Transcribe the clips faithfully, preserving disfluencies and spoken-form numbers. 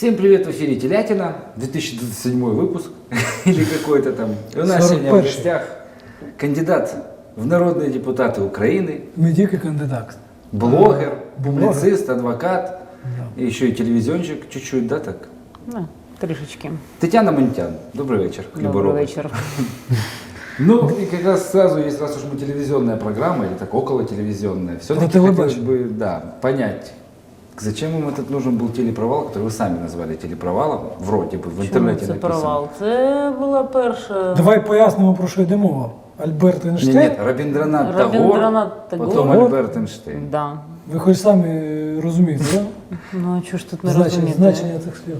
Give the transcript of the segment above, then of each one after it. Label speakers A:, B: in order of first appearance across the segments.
A: Всем привет, в эфире Телятина, две тысячи двадцать седьмой выпуск, или какой-то там. И у нас сегодня в гостях кандидат в народные депутаты Украины.
B: Не тільки кандидат.
A: Блогер,
B: Блогер.
A: публицист, адвокат,
B: Да.
A: и еще и телевизионщик чуть-чуть, да, так?
C: Да, трішечки.
A: Тетяна Монтян, добрый вечер.
C: Добрий
A: Хлібороб.
C: вечір.
A: Ну, и как раз сразу, если раз уж мы телевизионная программа, или так около телевизионная, все-таки
B: Про
A: хотелось
B: телебачение.
A: бы, да, понять, зачем им этот нужен был телепровал, который вы сами назвали телепровалом, вроде бы, в
C: Чому
A: интернете
C: це
A: написано.
C: провал? Це була перша
B: Давай пояснимо, про що йде мова. Альберт
A: Нет,
B: Ейнштейн.
A: нет, Рабиндранат Тагор,
C: Рабиндранат Тагор.
A: потом Альберт Эйнштейн.
C: Да.
B: Ви хоч самі розумієте, да?
C: Ну а чого ж тут не
B: Значення,
C: розуміти?
B: значення цих слів.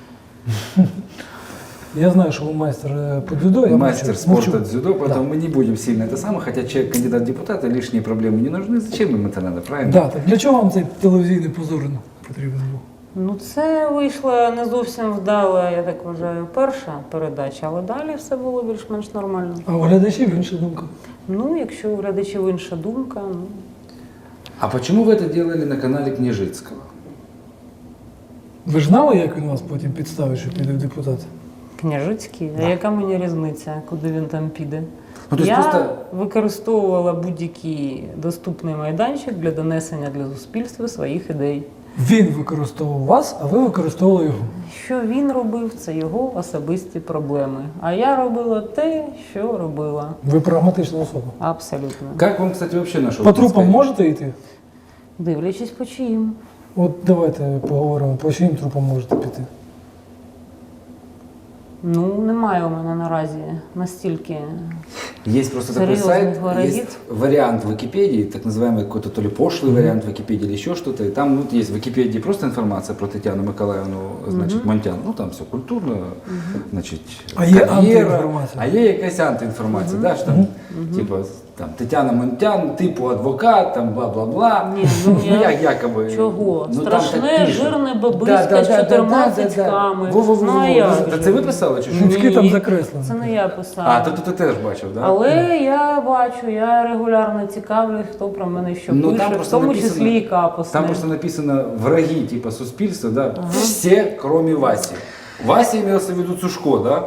B: Я знаю, що ви майстер е, по дзюдо. Я
A: Мастер
B: мовчу.
A: спорта
B: Мовчу.
A: дзюдо, поэтому мы не будем сильно это самое, хотя человек кандидат в депутаты, лишние проблемы не нужны, зачем им это надо, правильно?
B: Да, так для чого вам цей телевізійний позор потрібен був?
C: Ну це вийшла не зовсім вдала, я так вважаю, перша передача, але далі все було більш-менш нормально.
B: А у глядачів інша думка.
C: Ну, якщо у глядачів інша думка, ну.
A: А почему вы это делали на канале Княжицкого?
B: Ви ж знали, як він вас потім підставить, що піде в депутати?
C: Княжицький, а яка мені різниця, куди він там піде?
A: Ну, то есть
C: Я
A: просто-
C: використовувала будь-який доступний майданчик для донесення для суспільства своїх ідей.
B: Він використовував вас, а ви використовували його.
C: Що він робив, це його особисті проблеми. А я робила те, що робила.
B: Ви прагматична особа.
C: Абсолютно.
A: Как вам, кстати, вообще нашел?
B: По трупам можете йти?
C: Дивлячись по чиїм.
B: От давайте поговоримо, по чиїм трупам можете піти.
C: Ну, немає у мене наразі настільки.
A: Есть просто такой
C: Серьезных
A: сайт,
C: ворогит.
A: есть вариант Википедии, так называемый какой-то то ли пошлый вариант Википедии или еще что-то. И там вот есть в Википедии просто информация про Татьяну Николаевну, значит, Монтян. Ну там все культурно, значит,
B: А є
A: кар'єра.
B: антиінформація.
A: А є якась антиінформація, да, що там, типа, там, Тетяна Монтян, типу адвокат, там, бла-бла-бла.
C: Ні, ну, я-
A: як, якоби.
C: Чого?
A: Ну, там так
C: Страшне,
A: пишуть.
C: жирне
A: Да,
C: бабиська
A: да,
C: з
A: да,
C: чотирма
A: да, да, да.
C: цицьками.
A: Во-во-во-во.
C: Ну, а як
A: Та
C: же?
A: це ви писали чи що?
B: Цицьки там закреслені.
C: Це не я писала.
A: А, то ти теж бачив, да?
C: Але я бачу, я регулярно цікавлюсь, хто про мене що
A: Ну,
C: пише,
A: там
C: в
A: просто
C: тому
A: написано-
C: числі і капусне.
A: Там просто написано враги типа суспільства, да? Все, кроме Васи. Вася имелся в виду Цушко, да?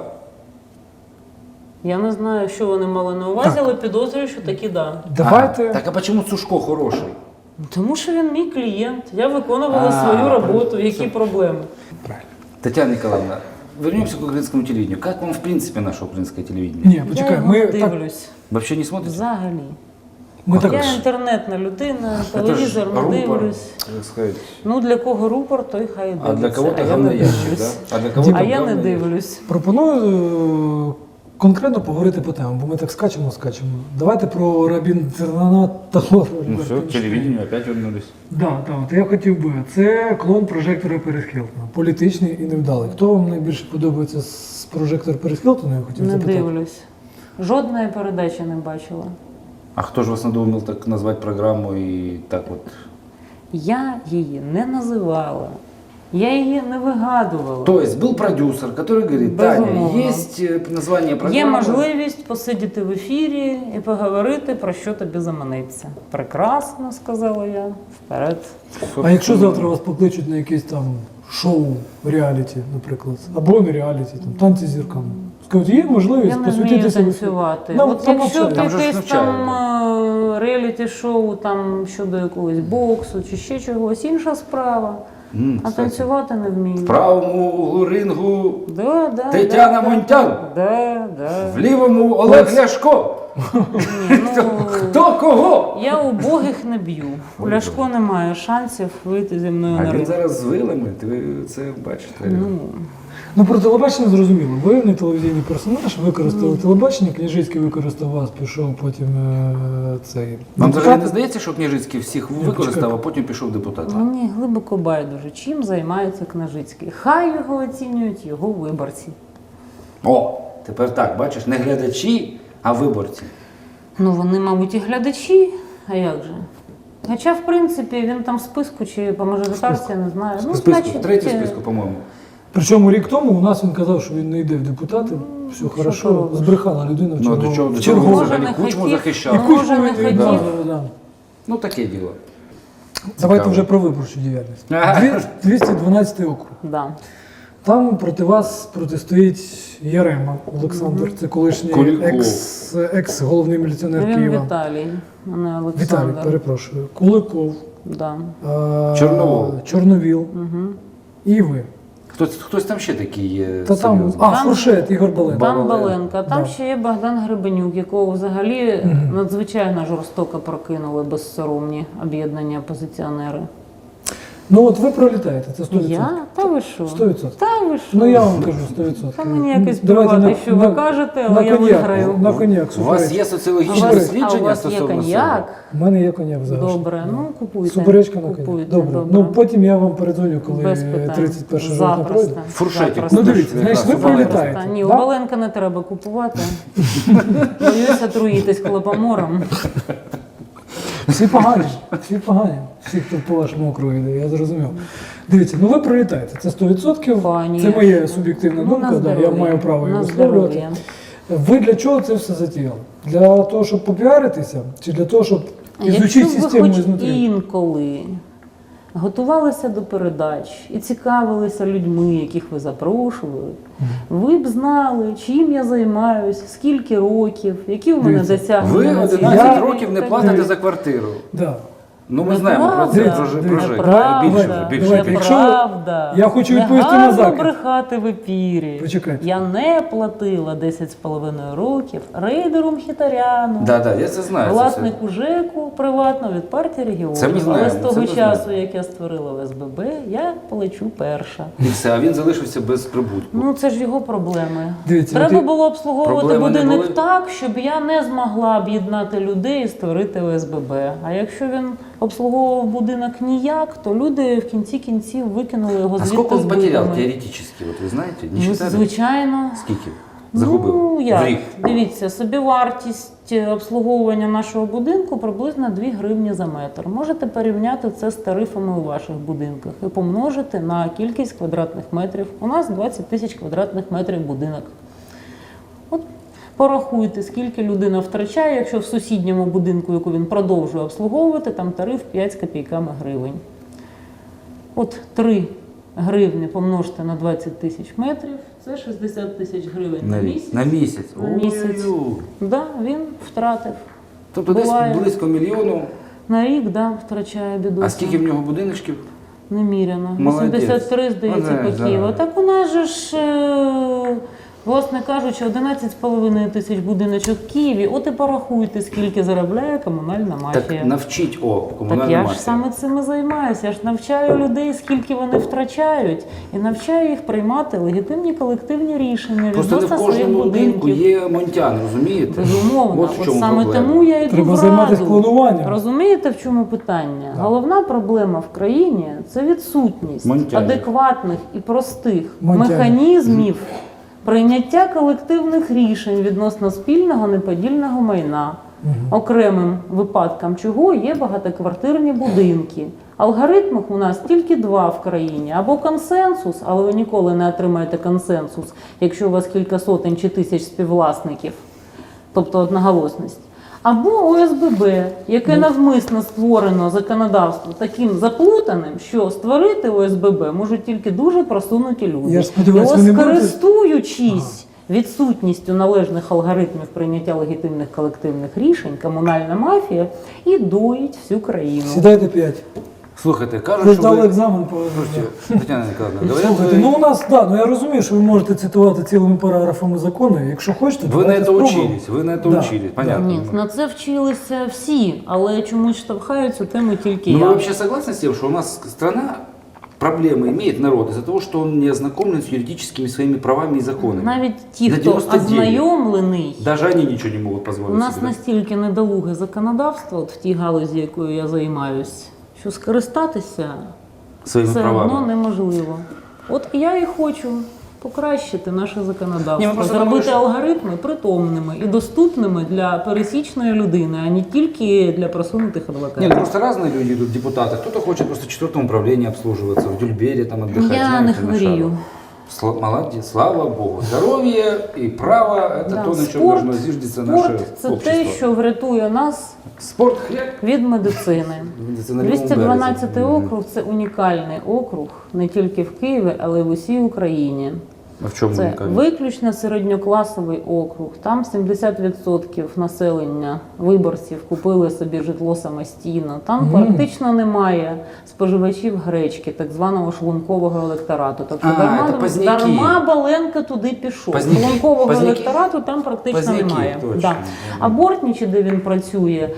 C: Я не знаю, що вони мали на увазі, але підозрюю, що таки да.
B: Давайте.
A: А, так а почему Цушко хороший?
C: Тому що він мій клієнт. Я виконувала
A: А,
C: свою
A: правильно.
C: роботу. Які проблеми?
A: Правильно. Татьяна Николаевна, вернемся к украинскому телевидению. Как вам в принципе наше украинское телевидение?
B: Ні,
C: я
B: почекай,
C: його
B: ми так,
C: дивлюсь.
A: Вообще не смотрите?
C: Взагалі.
B: ми так
C: Я інтернетна людина, телевізор не
A: рупор,
C: дивлюсь.
A: так сказать.
C: Ну для кого рупор, той хай дивиться.
A: А для кого-то
C: я не
A: говноящик, да?
C: дивлюсь.
A: А для кого-то
C: А я не
A: говноящик.
C: дивлюсь.
B: пропоную е, конкретно поговорити по темам, бо ми так скачемо, скачемо. Давайте про Рабіндранат Тагор.
A: Ну все, к телевидению опять вернулись.
B: Да, так, от я хотів би. Це клон прожектора Перес Хілтона. Політичний і невдалий. Хто вам найбільше подобається з прожектора Перес Хілтона, я хотів
C: Не
B: запитати.
C: дивлюсь. Жодної передачі не бачила.
A: А кто же вас надумал так назвать программу и так вот?
C: Я її не називала. Я її не вигадувала.
A: То есть был продюсер, который говорит, Таня,
C: Безумовно.
A: есть э, название программы.
C: Є можливість посидіти в ефірі і поговорити, про що тобі заманеться. Прекрасно, сказала я. Вперед.
B: А якщо завтра вас покличуть на якесь там шоу, реаліті, наприклад, або не реаліті, там танці з зірками. Скажуть, є можливість
C: Я не вмію
B: посвятитися
C: танцювати.
B: Нам
C: От
B: там
C: якщо
B: навчають.
A: Там же ж
C: якесь
A: навчають,
C: там е, реаліті-шоу там щодо якогось боксу чи ще чогось, інша справа.
A: М,
C: А
A: кстати,
C: танцювати не вмію.
A: в правому углу рингу
C: Да, да,
A: Тетяна
C: да,
A: Монтян.
C: Да, да.
A: в лівому Олег Ляшко.
C: Ні, ну,
A: Хто кого?
C: я убогих не б'ю. У
A: Ой,
C: Ляшко немає шансів вийти зі мною
A: А
C: на
A: він
C: ринг.
A: зараз з вилами, ви це бачите.
C: Ну,
B: Ну, про телебачення зрозуміло. Ви не телевізійний персонаж, використали телебачення, Княжицький використав вас, пішов потім е, цей.
A: Вам
B: депутат.
A: взагалі не здається, що Княжицький всіх
B: Ні,
A: використав,
B: почекай.
A: а потім пішов депутатом?
C: мені глибоко байдуже, чим займається Княжицький. Хай його оцінюють його виборці.
A: О, тепер так, бачиш, не глядачі, а виборці.
C: Ну, вони, мабуть, і глядачі, а як же? Хоча, в принципі, він там в списку чи по мажоритарці, я не знаю. Ну,
A: В списку,
C: значить,
A: третій в
C: е,
A: списку, по-моєму.
B: Причому рік тому у нас він казав, що він не йде в депутати. Все
C: що
B: хорошо,
C: поробиш?
B: збрехала людина в
A: Ну, а
B: чергову.
A: до чого, до
B: в
A: чого
B: чергову.
A: ви
C: Може,
A: взагалі
C: не
A: Кучму
C: хотів.
A: захищав?
C: Ну, може, не
B: Да,
C: хотів.
B: да, да.
A: Ну, таке діло.
B: Давайте
A: Цікаво.
B: вже про виборчу діяльність.
A: Ага.
B: Дві- двісті дванадцятий округ.
C: Да.
B: Там проти вас протистоїть Ярема Олександр, це колишній
A: Куліков.
B: екс, екс-головний міліціонер
C: Він
B: Києва.
C: Віталій, а не
B: Віталій,
C: Олександр.
B: перепрошую. Куликов,
C: Да.
B: е,
A: Чорновол.
B: Чорновіл
C: Угу.
B: і ви.
A: Хтось, хтось там ще такий є.
B: Та там,
A: серйозний?
B: а,
C: Там-
B: Фуршет, Ігор Бален.
C: Там
A: Баленко.
C: Баленка, там
B: Да.
C: ще є Богдан Гребенюк, якого взагалі
B: Мгм.
C: надзвичайно жорстоко прокинули безсоромні об'єднання опозиціонери.
B: Ну от ви пролітаєте, це сто відсотків.
C: Я? Та ви що?
B: сто відсотків.
C: Та ви що?
B: Ну я вам кажу сто відсотків.
C: Та мені якось
B: Давайте
C: плювати,
B: на-
C: що ви
B: на-
C: кажете,
B: на
C: але я
B: коньяк,
C: виграю.
B: На коньяк,
A: У вас
B: супереч-
A: є
C: А у
A: соціологічне
C: вас, а у
A: дослідження
C: вас є
A: стосовно
C: коньяк?
B: У мене є коньяк зараз.
C: Добре, ну купуйте.
B: Суперечка на коньяк.
C: Купуйте,
B: Добре.
C: добре.
B: Ну потім я вам передзвоню, коли
C: Без питань.
B: тридцять перше жовтня пройде.
C: Запросто.
A: Фуршетик.
C: Запросто.
B: Ну дивіться, знаєш, ви
A: Якраз,
B: пролітаєте.
C: Запросто. Ні, у
B: да?
C: Баленка не треба купувати. Боюся труїтись хлопомором.
B: Всі погані, всі погані. Всі, хто по вашому округу йде, я зрозумів. Дивіться, ну ви пролітаєте, це сто відсотків.
C: Конечно.
B: Це моя суб'єктивна
C: Ну,
B: думка,
C: на
B: да, я
C: здоров'я.
B: маю право її
C: На
B: висловлювати.
C: здоров'я.
B: Ви для чого це все затіяли? Для того, щоб попіаритися, чи для того, щоб
C: Якщо
B: ізучити
C: б ви
B: систему
C: хоч
B: ізнутрі?
C: інколи готувалися до передач і цікавилися людьми, яких ви запрошували, ви б знали, чим я займаюсь, скільки років, які в мене
B: Дивіться,
C: досягнення.
A: Ви
C: на цій
A: одинадцять
C: сфері
A: років не
C: і так
A: платите
C: далі.
A: за квартиру.
B: Да.
A: Ну ми
C: Неправда.
A: знаємо про це,
B: Дивіться,
A: про, ж- про
B: дивіться.
A: ЖЕК.
C: Неправда,
A: Більше вже, більше.
B: давайте.
A: більше.
B: Якщо
C: неправда.
B: я хочу
C: Не
B: відповісти на
C: гарно
B: закид.
C: брехати в епірі.
B: Почекайте.
C: Я не платила десять з половиною років рейдеру Мхітаряну.
A: Да, да, я це знаю. це
C: Власнику ЖЕКу приватно від партії регіонів.
A: Це ми знаємо,
C: Але з
A: це
C: того
A: ми
C: часу,
A: знаємо.
C: як я створила В С Б Б, я полечу перша.
A: І все, а він залишився без прибутку.
C: Ну це ж його проблеми.
B: Дивіться,
C: Треба
B: от і-
C: було обслуговувати
A: Проблеми не
C: будинок
A: були?
C: так, щоб я не змогла об'єднати людей і створити В С Б Б. А якщо він обслуговував будинок ніяк, то люди в кінці кінців викинули його
A: А
C: звідти
A: скільки
C: з
A: він потеряв
C: битами.
A: теоретично, от ви знаєте? Не
C: Ну,
A: считали?
C: звичайно.
A: Скільки? Загубив?
C: Ну,
A: В
C: як?
A: рік?
C: Дивіться, собівартість обслуговування нашого будинку приблизно дві гривні за метр. Можете порівняти це з тарифами у ваших будинках і помножити на кількість квадратних метрів. У нас двадцять тисяч квадратних метрів будинок. От порахуйте, скільки людина втрачає, якщо в сусідньому будинку, яку він продовжує обслуговувати, там тариф п'ять з копійками гривень. От три гривні помножте на двадцять тисяч метрів, це шістдесят тисяч гривень на,
A: На,
C: місяць.
A: на місяць.
C: На місяць.
A: Ой-ой-ой.
C: Да, він втратив.
A: Тобто десь
C: Буває.
A: близько мільйону.
C: На рік, да, втрачає бідося.
A: А скільки в нього будиночків?
C: Неміряно.
A: Молодець.
C: вісімдесят три, здається,
A: Молодець,
C: по Києву.
A: да.
C: Так у нас же ж, е, власне кажучи, одинадцять з половиною тисяч будиночок в Києві. От і порахуйте, скільки заробляє комунальна мафія.
A: Так навчіть о
C: Так
A: комунальну
C: я ж
A: мафію.
C: саме цим і займаюся. Я ж навчаю людей, скільки вони втрачають, і навчаю їх приймати легітимні колективні рішення
A: Просто не в
C: відносно своїх
A: кожному будинку
C: будинків.
A: є монтян, розумієте?
C: Безумовно,
A: От в
C: от
A: чому
C: саме
A: проблема.
C: тому я йду
B: Треба
C: в
B: займатися
C: Раду.
B: клонуванням.
C: Розумієте, в чому питання?
B: Так.
C: Головна проблема в країні – це відсутність
A: Монтянів.
C: адекватних і простих
B: Монтянів.
C: механізмів прийняття колективних рішень відносно спільного неподільного майна. Окремим випадком чого є багатоквартирні будинки. Алгоритмів у нас тільки два в країні. Або консенсус, але ви ніколи не отримаєте консенсус, якщо у вас кілька сотень чи тисяч співвласників, тобто одноголосність. Або О С Б Б, яке навмисно створено законодавство таким заплутаним, що створити О С Б Б можуть тільки дуже просунуті люди.
B: Я ж сподіваюсь,
C: І
B: ви не
C: ось,
B: будете-
C: користуючись відсутністю належних алгоритмів прийняття легітимних колективних рішень, комунальна мафія і доїть всю країну.
B: Сідайте п'ять.
A: Слухайте,
B: Ви
A: кажуть, що
B: здали
A: ви...
B: екзамен по
A: Слухайте, Тетяна Ніколаївна, говорять,
B: Слухайте,
A: ви...
B: ну у нас, да, ну я розумію, що ви можете цитувати цілими параграфами закону. Якщо хочете,
A: Вы на
B: давайте
A: это
B: спробуємо.
A: учились, вы на это
B: Да.
A: учились, понятно.
C: Ні, на це вчилися всі, але чомусь штовхають цю тему тільки
A: Но
C: я.
A: вы вообще согласны с тем, что у нас страна проблемы имеет народ из-за того, что он не ознакомлен с юридическими своими правами и законами?
C: Навіть ті,
A: На
C: хто
A: дев'яносто дев'ять.
C: ознайомлений,
A: Даже они ничего не могут позволить
C: у нас
A: себе.
C: настільки недолуге законодавство от в тій галузі, якою я займаюсь, що скористатися
A: Своими
C: все
A: правами.
C: одно неможливо. От я і хочу покращити наше
A: Ні,
C: законодавство,
A: ми просто
C: зробити
A: думали, що-
C: алгоритми притомними і доступними для пересічної людини, а не тільки для просунутих адвокатів.
A: Нет, просто разные люди идут, депутаты. Кто-то хочет просто в четвертом управлении обслуживаться, в Дюльбере там отдыхать.
C: Я
A: знаете,
C: не
A: на
C: хворію.
A: шару. Сла- молодец, слава Богу. Здоровье и право – это
C: Да,
A: то, на чем
C: спорт-
A: должно зиждеться наше
C: Спорт це
A: общество.
C: те, що врятує нас
A: Спорт – хлеб.
C: від медицини.
A: Це на лівому
C: двісті дванадцятий
A: березі.
C: округ – це унікальний округ не тільки в Києві, але й в усій Україні.
A: А в чому
C: Це
A: унікальність?
C: виключно середньокласовий округ. Там сімдесят відсотків населення виборців купили собі житло самостійно. Там
B: Мгм.
C: практично немає споживачів гречки, так званого шлункового електорату. Тобто
A: А,
C: дарма,
A: це Позняки.
C: дарма Баленка туди пішов.
A: Позняки.
C: Шлункового
A: Позняки.
C: електорату там практично
A: Позняки,
C: немає.
A: точно.
C: Да. А Бортнічі, де він працює,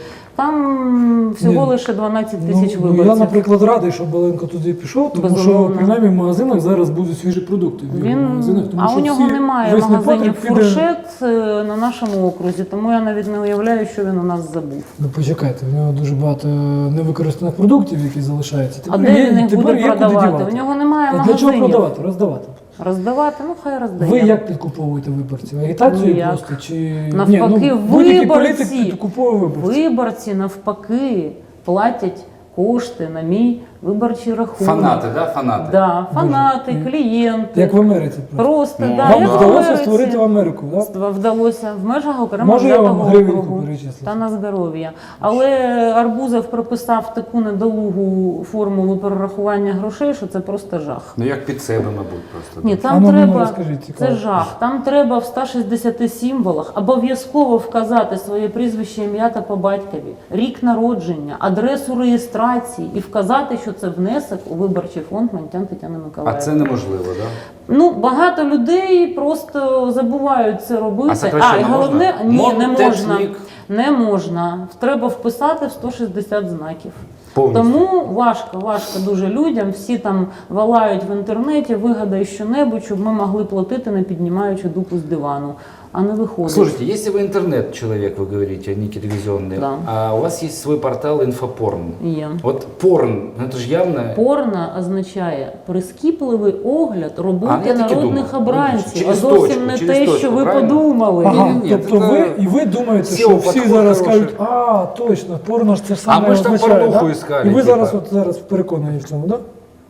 C: там всього
B: Ні.
C: лише дванадцять тисяч
B: Ну, ну,
C: виборців.
B: я, наприклад, радий, що Баленко туди пішов, тому
C: Безумовно.
B: що принаймні в магазинах зараз будуть свіжі продукти. В його
C: Він,
B: магазинах, тому
C: а
B: що
C: у нього
B: всі-
C: немає
B: весь
C: магазинів
B: непотріб піде-
C: фуршет е, на нашому окрузі, тому я навіть не уявляю, що він у нас забув.
B: Ну почекайте, в нього дуже багато невикористаних продуктів, які залишаються.
C: А
B: Тепер
C: де
B: є-
C: він їх
B: тепер
C: буде
B: є куди
C: продавати?
B: дівати.
C: У нього немає
B: А для чого
C: магазинів.
B: продавати? Роздавати.
C: Роздавати, ну хай роздає.
B: Ви як підкуповуєте виборців? Агітацією
C: Ніяк.
B: просто? Чи...
C: Навпаки,
B: Ні, ну, будь-який
C: виборці.
B: політик підкуповує виборців.
C: Виборці навпаки платять кошти на мій виборчий рахунок.
A: Фанати, да? Фанати.
C: Да, фанати,
B: Боже.
C: клієнти.
B: Як в Америці. Просто.
C: Просто,
A: Ну,
C: да,
B: Вам
C: як в
B: вдалося
C: Америці.
B: створити в Америку, так?
C: Ства- Вдалося в межах окремо
B: Можу я вам
C: взятого
B: гривеньку
C: округу
B: перечислити?
C: та на здоров'я. Але Арбузов прописав таку недолугу формулу перерахування грошей, що це просто жах.
A: Ну як під себе, мабуть, просто.
C: Ні,
A: да.
C: там
B: А ну, ну,
C: треба,
B: розкажіть, цікаво.
C: це жах. Там треба в ста шістдесяти символах обов'язково вказати своє прізвище, ім'я та по батькові, рік народження, адресу реєстрації і вказати, що це внесок у виборчий фонд Монтян Тетяни
A: А
C: Миколаївни.
A: це неможливо, так? Да?
C: Ну, багато людей просто забувають це робити.
A: А сокращенно
C: і головне,
A: можна?
C: ні, не можна.
A: Монтечник.
C: Не можна. Треба вписати в сто шістдесят знаків.
A: Повністю.
C: Тому важко, важко дуже людям. Всі там валають в інтернеті, вигадай що-небудь, щоб ми могли платити, не піднімаючи дупу з дивану. А не виходить.
A: Слушайте, если вы интернет-человек, вы говорите, а не телевизионный,
C: Да.
A: а у вас есть свой портал «Инфопорн».
C: Є.
A: Вот порн, ну это же явно...
C: Порно означає прискіпливий огляд
A: А,
C: роботи
A: я так і
C: народних
A: думав.
C: обранців, а
A: Через
C: зовсім
A: точку,
C: не
A: через
C: те,
A: точку,
C: що ви
A: правильно?
C: подумали.
B: Ага,
A: Ні-ні-ні,
B: тобто
A: це-
B: ви, і ви думаєте,
A: Сів
B: що всі
A: підход
B: зараз
A: хороший.
B: кажуть, а, точно, порно ж це ж саме
A: ми ж там
B: означає,
A: порнуху
B: да?
A: іскали,
B: І ви
A: типа.
B: зараз, от, зараз переконані в цьому, так? Да?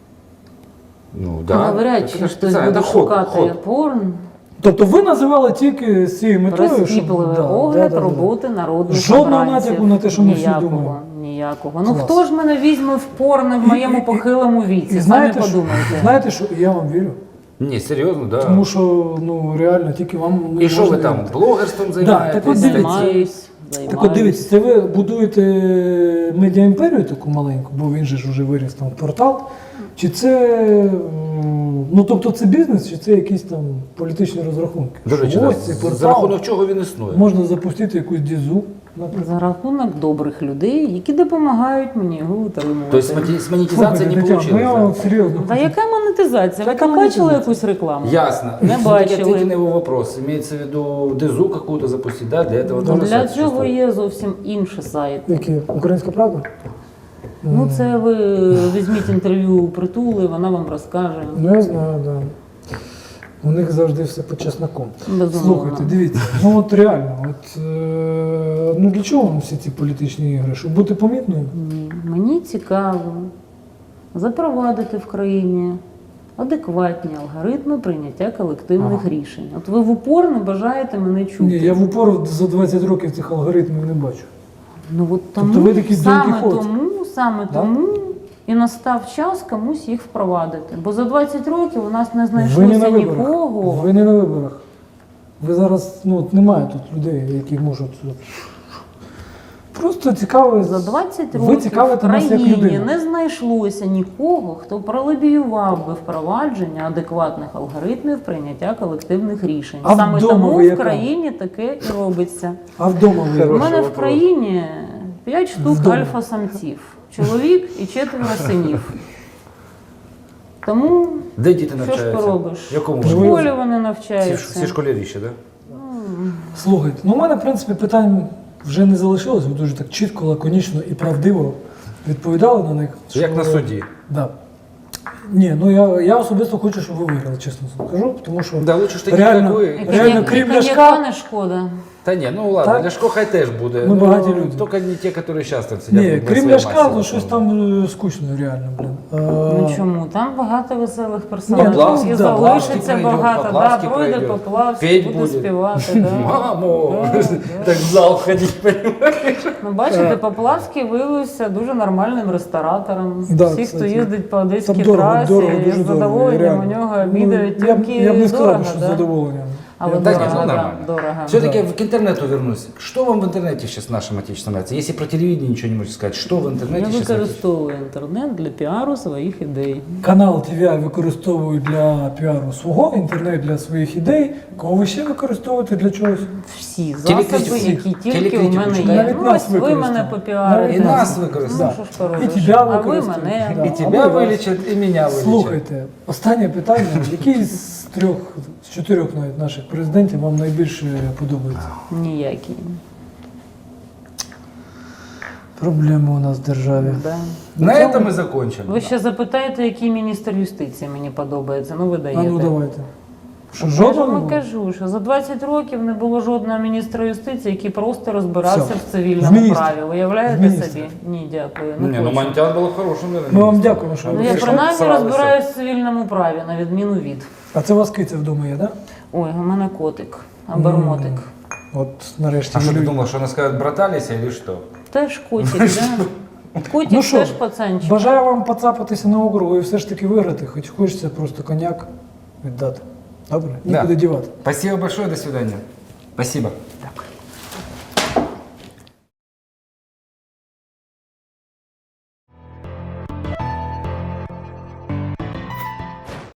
A: Ну
C: Навряд
A: Это
C: чи
A: ж
C: хтось
A: специально,
C: буде
A: это ход,
C: шукати
A: ход.
C: порн.
B: Тобто ви називали тільки з цією метою,
C: Прискіпливий
B: да,
C: огляд
B: да, да, да.
C: роботи народних
B: Жодного
C: обранців.
B: натяку на те, що ми всі
C: Ніякого,
B: думаємо.
C: Ніякого. Ну
B: Клас.
C: хто ж мене візьме в порно в моєму похилому віці?
B: І
C: Самі
B: знаєте, що,
C: подумайте.
B: знаєте, що я вам вірю.
A: Не, серьезно, да.
B: Тому що ну реально тільки вам не
A: И что
B: можна
A: вы там,
B: вірити.
A: блогерством занимаетесь?
B: так от дивіться.
C: Займаюсь.
B: Так от дивіться, це ви будуєте медіаімперію таку маленьку, бо він же ж вже виріс там в портал. Чи це м, ну тобто це бізнес, чи це якісь там політичні розрахунки?
A: До речі,
B: Що
A: да,
B: ось цей
A: за
B: портал
A: рахунок чого він існує?
B: можна запустити якусь дізу, наприклад.
C: За рахунок добрих людей, які допомагають мені його утримувати.
A: То есть с моти- с монетизацией не
B: Слухайте, Тетяна,
A: получилось,
B: ну я
A: да?
B: вам серйозно.
C: Та яка монетизація? Ви
B: Яка
C: там бачили
B: монетизація?
C: якусь рекламу?
A: Ясно.
C: Не
A: Все-таки
C: бачили.
A: ответьте на его вопрос. Имеется в виду дезу какую-то запустить, да? Для этого тоже
C: Для
A: сайт
C: цього
A: существует.
C: є зовсім інший сайт.
B: Які? Українська правда?
C: Ну, це ви візьміть інтерв'ю у Притули, вона вам розкаже.
B: Ну я знаю, так. Да. У них завжди все по чесноку.
C: Безумовно.
B: Слухайте, дивіться, ну от реально, от е, ну для чого вам всі ці політичні ігри? Щоб бути помітною?
C: Ні. Мені цікаво запровадити в країні адекватні алгоритми прийняття колективних
B: Ага.
C: рішень. От ви в упор не бажаєте мене чути.
B: Ні, я в упор за двадцять років цих алгоритмів не бачу.
C: Ну от тому,
B: Тобто ви такий Дон
C: саме
B: Кіхот?
C: тому, саме
B: Да?
C: тому і настав час комусь їх впровадити. Бо за двадцять років у нас не
B: Ви не
C: знайшлося
B: на виборах.
C: нікого.
B: Ви не на виборах. Ви зараз, ну от немає тут людей, які можуть. от, Просто цікаво.
C: За двадцять
B: Ви
C: років в
B: цікавите нас як
C: країні
B: людину.
C: не знайшлося нікого, хто пролобіював би впровадження адекватних алгоритмів прийняття колективних рішень.
B: А
C: Саме
B: вдома
C: тому
B: ви
C: в
B: яка?
C: країні таке і робиться.
B: А вдома ви.
C: У
A: Хороший
C: мене в
A: вопрос.
C: країні п'ять штук
B: Вдома.
C: альфа-самців, чоловік і четверо синів. Тому
A: Де діти
C: що ж
A: навчаються?
C: поробиш?
A: В якому
C: В
A: вони?
C: школі вони
A: Всі,
C: навчаються.
A: всі школяріші, да?
B: Слухайте, ну у мене, в принципі, питань вже не залишилось. Ви дуже так чітко, лаконічно і правдиво відповідали на них.
A: Як
B: що-
A: на суді.
B: Да. Ні, ну я, я особисто хочу, щоб ви виграли, чесно скажу, тому що
A: Да, лучше ж таки,
B: реально,
A: як ви.
C: І
B: реально
C: коньяк- і
B: крім
C: коньяка
B: ляшка,
C: не шкода.
A: Та ні, ну ладно,
B: Так?
A: Ляшко хай теж буде.
B: Ми
A: ну,
B: багаті люди.
A: Тільки не ті, які зараз там сидять.
B: Ні,
A: на
B: крім
A: своїй
B: Ляшка,
A: масі,
B: ну щось там е, скучно реально, блін.
C: Ну
B: Е,
C: чому? Там багато веселих
B: Ні,
C: персонажів.
B: Поплавський,
C: І
B: да,
C: залишиться
A: Поплавський
C: багато.
A: пройде,
C: Да,
A: Поплавський
C: пройде
A: пройде.
C: Поплавський,
A: Петь
C: буде
A: буде.
C: співати. Да.
A: Мамо!
C: Да, да.
A: Так в зал ходить, понимаєш?
C: Ну, бачите, Поплавський виявився дуже нормальним ресторатором.
B: Да,
C: Всі, хто
B: кстати.
C: їздить по одеській
B: Там дорого,
C: трасі,
B: дорого,
C: з
B: дуже дорого,
C: задоволенням
B: реально.
C: у нього
B: Ну,
C: обідають
B: я, б-
C: тільки
B: я б не сказав,
C: дорого,
B: що з
C: да?
B: задоволенням.
C: Але
A: Так,
C: дорого,
A: нет, ну
C: да,
A: нормально.
C: дорого.
A: Все-таки
B: Да.
A: к интернету вернусь. Что вам в интернете сейчас нашим отечественным нравится? Если про телевидение ничего не можете сказать, что в интернете
C: Я
A: сейчас?
C: використовую інтернет для піару своїх ідей.
B: Канал Ті Ві Ай використовую для піару свого, інтернет для своїх ідей. Кого ви ще використовуєте для чогось?
C: Всі
A: Телекритику.
C: засоби, які тільки у
A: Телекритику
C: мене
A: читаю.
C: є.
B: Навіть
C: Ну,
B: нас
C: ось ви
B: використали.
C: мене попіарите.
A: І нас використали.
C: Ну, що ж поробиш?
B: І тебе
C: А ви
B: використали.
C: мене.
B: Да.
A: И
B: А
A: тебя
B: мы вас.
A: вылечат, и меня вылечат.
B: Слухайте, останнє питання. Який з трьох, з чотирьох навіть наших президентів вам найбільше подобається?
C: Ніякі.
B: Проблеми у нас в державі.
C: Да.
A: На этом мы закончим.
C: Ви ще запитаєте, який міністр юстиції мені подобається. Ну, ви
B: А
C: даєте.
B: ну давайте. Що,
C: Я ж
B: жодного? не
C: вам
B: було?
C: кажу, що за двадцять років не було жодного міністра юстиції, який просто розбирався
B: Все.
C: в цивільному
B: В міністр.
C: праві. Уявляєте
B: В міністр.
C: собі? Ні, дякую.
A: Не,
C: Не
A: ну
C: хочу.
A: Монтян был хорошим, наверное.
B: Ми вам
A: министром.
B: дякуємо, що
A: А
B: ви
C: Ну,
A: ви
C: я
B: прийшли.
C: принаймні
A: сралися.
C: розбираюсь в цивільному праві, на відміну від.
B: А це у вас киця вдома є, так?
C: Ой, у мене котик, абермотик.
B: Да? От нарешті.
A: А что
B: люди-
A: ты думал, что она скажет, братались или что?
C: Теж котик, да? Котик
B: Ну що,
C: теж пацанчик.
B: бажаю вам поцапатися на округу і все ж таки виграти, хоч хочеться просто коньяк віддати. Добре?
A: Да.
B: Нікуди дівати.
A: Спасибо большое, до свидания. Спасибо.
C: Так.